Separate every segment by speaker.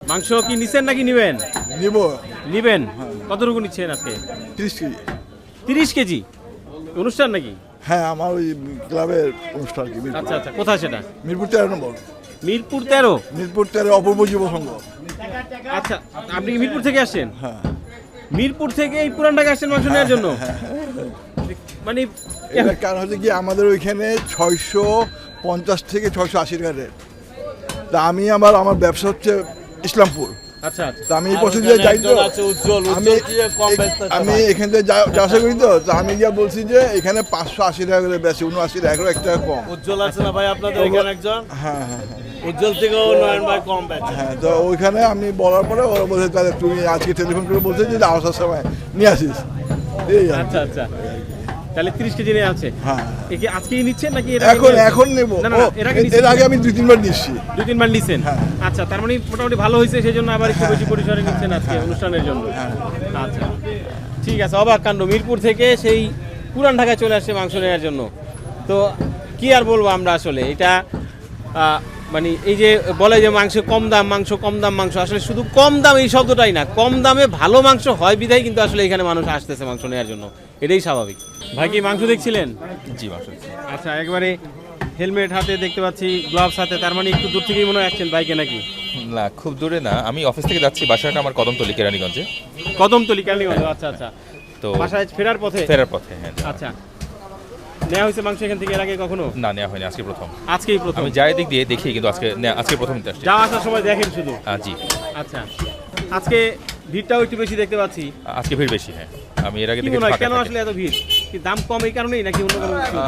Speaker 1: মাংস কি নিছেন নাকি নিবেন?
Speaker 2: নিব।
Speaker 1: নিবেন? কতটুকু নিচ্ছেন আজকে?
Speaker 2: 30 কেজি।
Speaker 1: 30 কেজি? অনুষ্ঠান নাকি?
Speaker 2: হ্যাঁ, আমার ওই ক্লাবের অনুষ্ঠান কি।
Speaker 1: আচ্ছা আচ্ছা, কোথায় সেটা?
Speaker 2: মিরপুর 13 নম্বর।
Speaker 1: মিরপুর 13?
Speaker 2: মিরপুর 13 অপূর্ব যুব সংঘ।
Speaker 1: আচ্ছা, আপনি কি মিরপুর থেকে আসছেন?
Speaker 2: হ্যাঁ।
Speaker 1: মিরপুর থেকে এই পুরান ঢাকা আসছেন মাংস নেওয়ার জন্য? মানে
Speaker 2: এটার কারণ হচ্ছে কি, আমাদের ওইখানে 650 থেকে 680 টাকা রেট। তা আমার ব্যবসা হচ্ছে ইসলামপুর।
Speaker 1: আচ্ছা আচ্ছা।
Speaker 2: তা আমি এই পছন্দ যাই তো, আমি এখান থেকে যা আশা করি তো, আমি গিয়া বলছি যে এখানে 580 টাকা করে বেশি, 79 টাকা, 1 টাকা কম।
Speaker 3: উজ্জ্বল আছে না ভাই আপনাদের এখানে একজন?
Speaker 2: হ্যাঁ হ্যাঁ হ্যাঁ।
Speaker 3: উজ্জ্বল থেকেও নয়ন ভাই কম বেচে।
Speaker 2: হ্যাঁ, তো ওইখানে আমি বলার পরে ওরা বলছে তাহলে তুমি আজকে টেলিফোন করে বলছে যে আসার সময় নিয়ে আসিস। এই আর কি।
Speaker 1: আচ্ছা আচ্ছা, তাহলে 30 কেজি নিয়ে আছে।
Speaker 2: হ্যাঁ,
Speaker 1: এ কি আজকেই নিচ্ছেন নাকি
Speaker 2: এখন নেব।
Speaker 1: না না না,
Speaker 2: এর আগে আমি 2-3 বার নিচ্ছি।
Speaker 1: 2-3 বার নিছেন?
Speaker 2: হ্যাঁ।
Speaker 1: আচ্ছা, তার মানে মোটামুটি ভালো হয়েছে, সেই জন্য আবার একটু বেশি পরিসরে নিচ্ছেন আজকে অনুষ্ঠানের জন্য।
Speaker 2: হ্যাঁ।
Speaker 1: আচ্ছা, ঠিক আছে। অবাক কাণ্ড, মিরপুর থেকে সেই পুরান ঢাকায় চলে আসছে মাংস নেওয়ার জন্য। তো কি আর বলবো আমরা, আসলে এটা মানে এই যে বলে যে মাংস কম দাম, মাংস কম দাম, মাংস আসলে শুধু কম দাম এই শব্দটাই না, কম দামে ভালো মাংস হয় বিধায় কিন্তু আসলে এখানে মানুষ আসতেছে মাংস নেওয়ার জন্য, এটাই স্বাভাবিক। ভাই কি মাংস দেখছিলেন?
Speaker 4: জি মাংস।
Speaker 1: আচ্ছা, একবারে হেলমেট হাতে দেখতে পাচ্ছি, গ্লাভস হাতে, তার মানে একটু দূর থেকেই মনে হয় আসছেন বাইকে নাকি?
Speaker 4: না, খুব দূরে না, আমি অফিস থেকে যাচ্ছি, বাসাটা আমার কদমতলী কেরানীগঞ্জে।
Speaker 1: কদমতলী কেরানীগঞ্জ? আচ্ছা আচ্ছা।
Speaker 4: তো
Speaker 1: বাসায় ফেরার পথে?
Speaker 4: ফেরার পথে, হ্যাঁ।
Speaker 1: আচ্ছা, নেওয়া হয়েছে মাংস এখান থেকে এর আগে কখনো?
Speaker 4: না, নেওয়া হয়নি, আজকে প্রথম।
Speaker 1: আজকেই প্রথম?
Speaker 4: আমি যাই দিক দিয়ে দেখি, কিন্তু আজকে প্রথম নিতে আসছি।
Speaker 1: যাওয়া আসার সময় দেখেন শুধু?
Speaker 4: জি।
Speaker 1: আচ্ছা, আজকে ভিড়টাও একটু বেশি দেখতে পাচ্ছি।
Speaker 4: আজকে ভিড় বেশি, হ্যাঁ। আমি এর আগে
Speaker 1: কি
Speaker 4: দেখেছি
Speaker 1: মনে হয়
Speaker 4: ফাঁকা
Speaker 1: কেন
Speaker 4: থাকে।
Speaker 1: আসলে এত ভিড়? কি দাম কম এই কারণেই নাকি অন্য কোনো কিছু?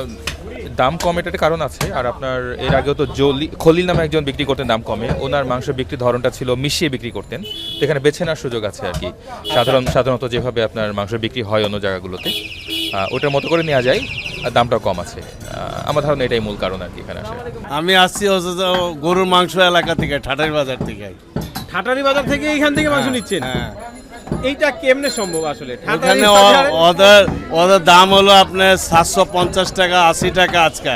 Speaker 4: দাম কম এটার একটা কারণ আছে, আর আপনার এর আগেও তো খলিল নামে একজন বিক্রি করতেন দাম কমে, ওনার মাংস বিক্রির ধরনটা ছিল মিশিয়ে বিক্রি করতেন, তো এখানে বেছে নেওয়ার সুযোগ আছে আর কি। সাধারণত যেভাবে আপনার মাংস বিক্রি হয় অন্য জায়গাগুলোতে, ওটার মতো করে নেওয়া যায়, আর দামটাও কম আছে। আমার ধারণা এটাই মূল কারণ আর কি এখানে আসে।
Speaker 3: আমি আসছি হচ্ছে গরুর মাংস এলাকা থেকে, ঠাটারি বাজার থেকে।
Speaker 1: ঠাটারি বাজার থেকে এইখান থেকে মাংস নিচ্ছেন?
Speaker 3: হ্যাঁ।
Speaker 1: এইটা কেমনে সম্ভব আসলে?
Speaker 3: এখানে ওদের দাম হলো আপনার 750 টাকা, 80 টাকা আজকে।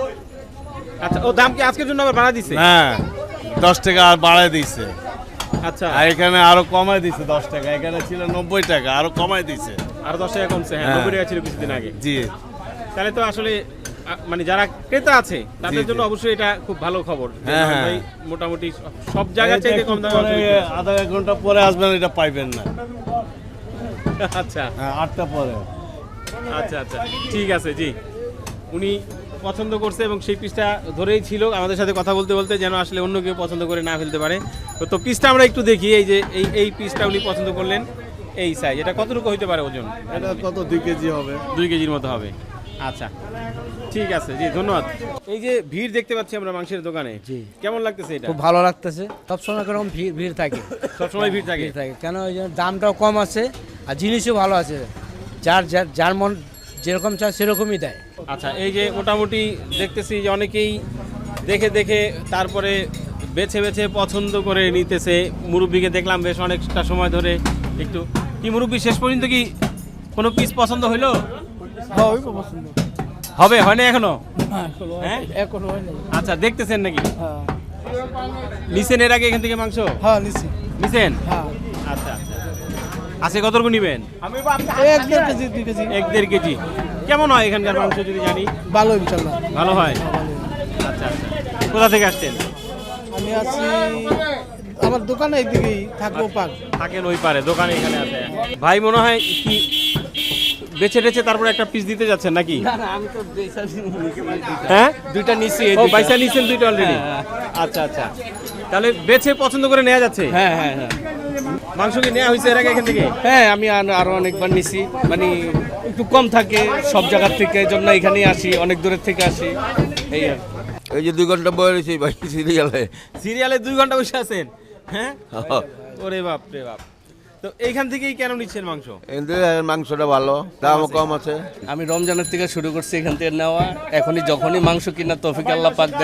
Speaker 1: আচ্ছা, ও দাম কি আজকের জন্য আবার বাড়া দিছে?
Speaker 3: হ্যাঁ, 10 টাকা আর বাড়ায় দিছে।
Speaker 1: আচ্ছা,
Speaker 3: আর এখানে আরো কমায় দিছে 10 টাকা, এখানে ছিল 90 টাকা, আরো কমায় দিছে।
Speaker 1: আর 10 টাকা কমছে? হ্যাঁ,
Speaker 3: হ্যাঁ।
Speaker 1: 90 টাকা ছিল কিছুদিন আগে।
Speaker 3: জি।
Speaker 1: তাহলে তো আসলে মানে যারা ক্রেতা আছে তাদের
Speaker 3: জি,
Speaker 1: জন্য অবশ্যই এটা খুব ভালো খবর।
Speaker 3: হ্যাঁ, হ্যাঁ।
Speaker 1: ভাই মোটামুটি সব জায়গা চাইতে কম দামে মাংস বিক্রি হয়।
Speaker 3: আধা এক ঘন্টা পরে আসবেন, এটা পাইবেন না।
Speaker 1: আচ্ছা
Speaker 3: হ্যাঁ, 8টা পরে।
Speaker 1: আচ্ছা আচ্ছা, ঠিক আছে। জি, উনি পছন্দ করছে এবং সেই পিসটা ধরেই ছিল আমাদের সাথে কথা বলতে বলতে, যেন আসলে অন্য কেউ পছন্দ করে না ফেলতে পারে। তো পিসটা আমরা একটু দেখি। এই যে এই পিসটা উনি পছন্দ করলেন, এই সাইজ, এটা কতটুকু হইতে পারে ওজন?
Speaker 3: এটা কত 2 কেজি হবে?
Speaker 1: 2 কেজির মতো হবে। আচ্ছা, ঠিক আছে। জি, ধন্যবাদ। এই যে ভিড় দেখতে পাচ্ছি আমরা মাংসের দোকানে,
Speaker 5: জি,
Speaker 1: কেমন লাগতেছে এটা?
Speaker 5: খুব ভালো লাগতেছে। সবসময় এরকম ভিড় থাকে,
Speaker 1: সবসময় ভিড় থাকে?
Speaker 5: ভিড় থাকে কেন? ওই জন্য দামটাও কম আছে আর জিনিসও ভালো আছে। যার মন যেরকম চায় সেরকমই দেয়।
Speaker 1: আচ্ছা, এই যে মোটামুটি দেখতেছি যে অনেকেই দেখে দেখে তারপরে বেছে বেছে পছন্দ করে নিতেছে। মুরব্বিকে দেখলাম বেশ অনেকটা সময় ধরে। একটু কি মুরব্বি, শেষ পর্যন্ত কি কোনো পিস পছন্দ হইলো? হবে, হয় না এখনো? হ্যাঁ, আচ্ছা, দেখতেছেন নাকি? নিছেন এর আগে এখান থেকে মাংস?
Speaker 5: হ্যাঁ, নিচ্ছি।
Speaker 1: নিছেন? আচ্ছা আচ্ছা। আজকে কতটুকু নিবেন? 1-1.5 কেজি। কেমন হয় এখানকার মাংস যদি জানি?
Speaker 5: ভালো, ইনশাল্লাহ
Speaker 1: ভালো হয়। আচ্ছা আচ্ছা, কোথা থেকে আসছেন?
Speaker 5: আমি আছি আমার দোকানে, এইদিকেই থাকবো।
Speaker 1: থাকেন ওই পারে, দোকানে এখানে আছে। ভাই মনে হয় কি বেছে টেছে তারপরে একটা পিস দিতে যাচ্ছেন নাকি?
Speaker 5: আমি তো
Speaker 1: হ্যাঁ,
Speaker 5: দুইটা নিচ্ছি।
Speaker 1: ও পয়সা নিছেন দুইটা অলরেডি? আচ্ছা আচ্ছা, তাহলে বেছে পছন্দ করে নেওয়া যাচ্ছে?
Speaker 5: হ্যাঁ হ্যাঁ হ্যাঁ
Speaker 1: মাংস কি নেওয়া হয়েছে এর আগে এখান থেকে?
Speaker 5: হ্যাঁ, আমি আরো অনেকবার নিছি, মানে একটু কম থাকে সব জায়গার থেকে, এই জন্য এখানেই আসি, অনেক দূরের থেকে আসি, এই আর।
Speaker 6: এই যে 2 ঘন্টা বয়ে রয়েছে ভাই সিরিয়ালে।
Speaker 1: সিরিয়ালে 2 ঘন্টা বসে আছেন? হ্যাঁ, ওরে বাপ রে বাপ। তো এইখান থেকেই কেন নিচ্ছেন মাংস?
Speaker 6: এদের মাংসটা ভালো, দামও কম আছে।
Speaker 5: আমি রমজানের থেকে শুরু করছি এখান থেকে নেওয়া। যখনই মাংস কিনা তৌফিক আল্লাহ পাক দেয়,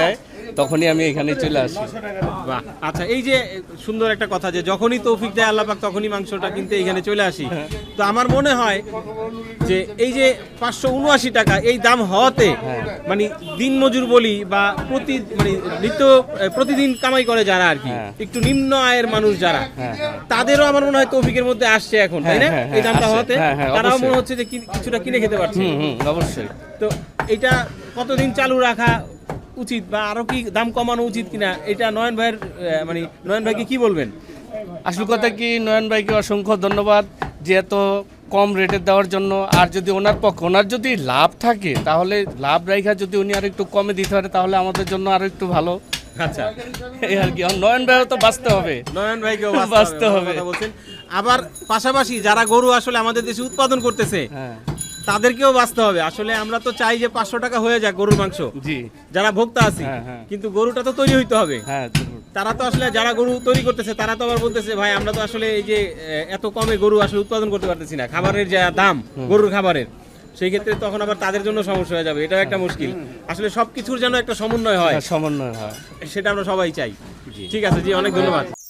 Speaker 5: তখনই আমি এখানে চলে আসি।
Speaker 1: বাহ, আচ্ছা, এই যে সুন্দর একটা কথা যে যখনই তৌফিক দেয় আল্লাহ পাক তখনই মাংসটা কিনতে এখানে চলে আসি। তো আমার মনে হয় যে এই যে 579 টাকা এই দাম হওয়াতে মানে দিন মজুর বলি বা প্রতিদিন কামাই করে যারা আর কি, একটু নিম্ন আয়ের মানুষ যারা, তাদেরও আমার মনে হয় তৌফিকের মধ্যে আসছে এখন, তাই না? এই দামটা হওয়াতে তারাও মনে হচ্ছে যে কিছুটা কিনে খেতে পারছে।
Speaker 5: অবশ্যই।
Speaker 1: তো এটা কতদিন চালু রাখা উচিত বা আরো কি দাম কমানো উচিত কিনা, এটা নয়ন ভাইয়ের মানে নয়ন ভাইকে কি বলবেন?
Speaker 5: আসল কথা কি, নয়ন ভাইকে অসংখ্য ধন্যবাদ যে এত কম রেটে দেওয়ার জন্য। আর যদি ওনার যদি লাভ থাকে তাহলে লাভ রাইখা যদি উনি আর একটু কমে দিতে পারে তাহলে আমাদের জন্য আরো একটু ভালো।
Speaker 1: আচ্ছা,
Speaker 5: এই আর কি, নয়ন ভাইও তো বাঁচতে হবে।
Speaker 1: নয়ন ভাইকেও
Speaker 5: বাঁচতে হবে।
Speaker 1: কথা বলছেন। আবার পাশাপাশি যারা গরু আসলে আমাদের দেশে উৎপাদন করতেছে
Speaker 5: হ্যাঁ,
Speaker 1: তাদেরকেও বাঁচতে হবে। আসলে আমরা তো চাই যে 500 টাকা হয়ে যাক গরুর মাংস,
Speaker 5: জি,
Speaker 1: যারা ভোক্তা আছি,
Speaker 5: হ্যাঁ।
Speaker 1: কিন্তু গরুটা তো তৈরি হইতে হবে।
Speaker 5: হ্যাঁ,
Speaker 1: তারা তো আসলে যারা গরু তৈরি করতেছে তারা তো আবার বলতেছে ভাই আমরা তো আসলে এই যে এত কমে গরু আসলে উৎপাদন করতে পারতেছি না, খাবারের যা দাম গরুর খাবারের, সেই ক্ষেত্রে তখন আবার তাদের জন্য সমস্যা হয়ে যাবে। এটাও একটা মুশকিল। আসলে সবকিছুর যেন একটা সমন্বয় হয়,
Speaker 5: সমন্বয় হয়।
Speaker 1: সেটা আমরা সবাই চাই। ঠিক আছে জি, অনেক ধন্যবাদ।